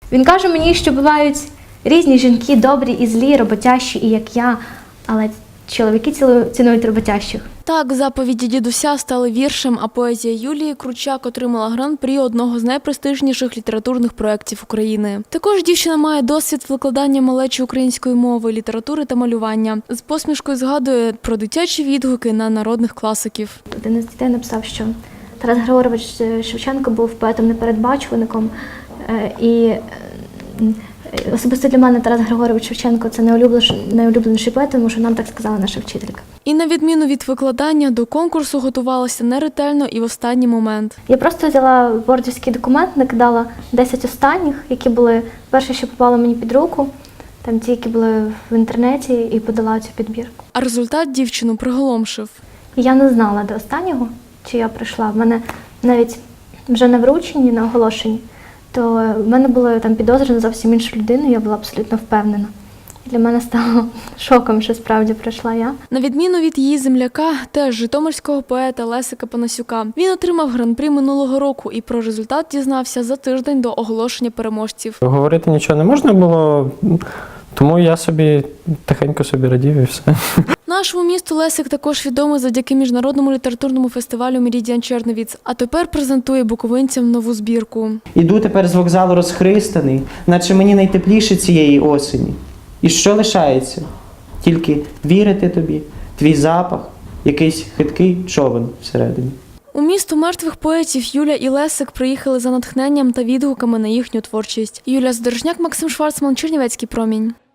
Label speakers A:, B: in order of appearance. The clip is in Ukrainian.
A: Він каже мені, що бувають різні жінки, добрі і злі, роботящі, і як я, але чоловіки цінують роботящих.
B: Так, заповіді дідуся стали віршем, а поезія Юлії Кручак отримала гран-прі одного з найпрестижніших літературних проєктів України. Також дівчина має досвід викладання малечі української мови, літератури та малювання. З посмішкою згадує про дитячі відгуки на народних класиків.
A: Один із дітей написав, що Тарас Григорович Шевченко був поетом-непередбачувальником, і особисто для мене Тарас Григорович Шевченко – це найулюбленіший поет, тому що нам так сказала наша вчителька.
B: І на відміну від викладання, до конкурсу готувалася неретельно і в останній момент.
A: Я просто взяла вордівський документ, накидала 10 останніх, які були перші, що попали мені під руку, там ті, які були в інтернеті, і подала цю підбірку.
B: А результат дівчину приголомшив.
A: І я не знала до останнього, чи я прийшла. В мене навіть вже на врученні, на оголошенні, то в мене були там підозри на зовсім іншу людину, я була абсолютно впевнена. І для мене стало шоком, що справді прийшла я.
B: На відміну від її земляка, теж житомирського поета Лесика Панасюка, він отримав гран-прі минулого року і про результат дізнався за тиждень до оголошення переможців.
C: Говорити нічого не можна було, тому я собі тихенько радів і все.
B: Нашому місту Лесик також відомий завдяки міжнародному літературному фестивалю «Меридіан Черновіц», а тепер презентує буковинцям нову збірку.
D: Іду тепер з вокзалу розхристаний, наче мені найтепліше цієї осені. І що лишається? Тільки вірити тобі, твій запах, якийсь хиткий човен всередині.
B: У місто мертвих поетів Юля і Лесик приїхали за натхненням та відгуками на їхню творчість. Юлія Задорожняк, Максим Шварцман, Чернівецький промінь.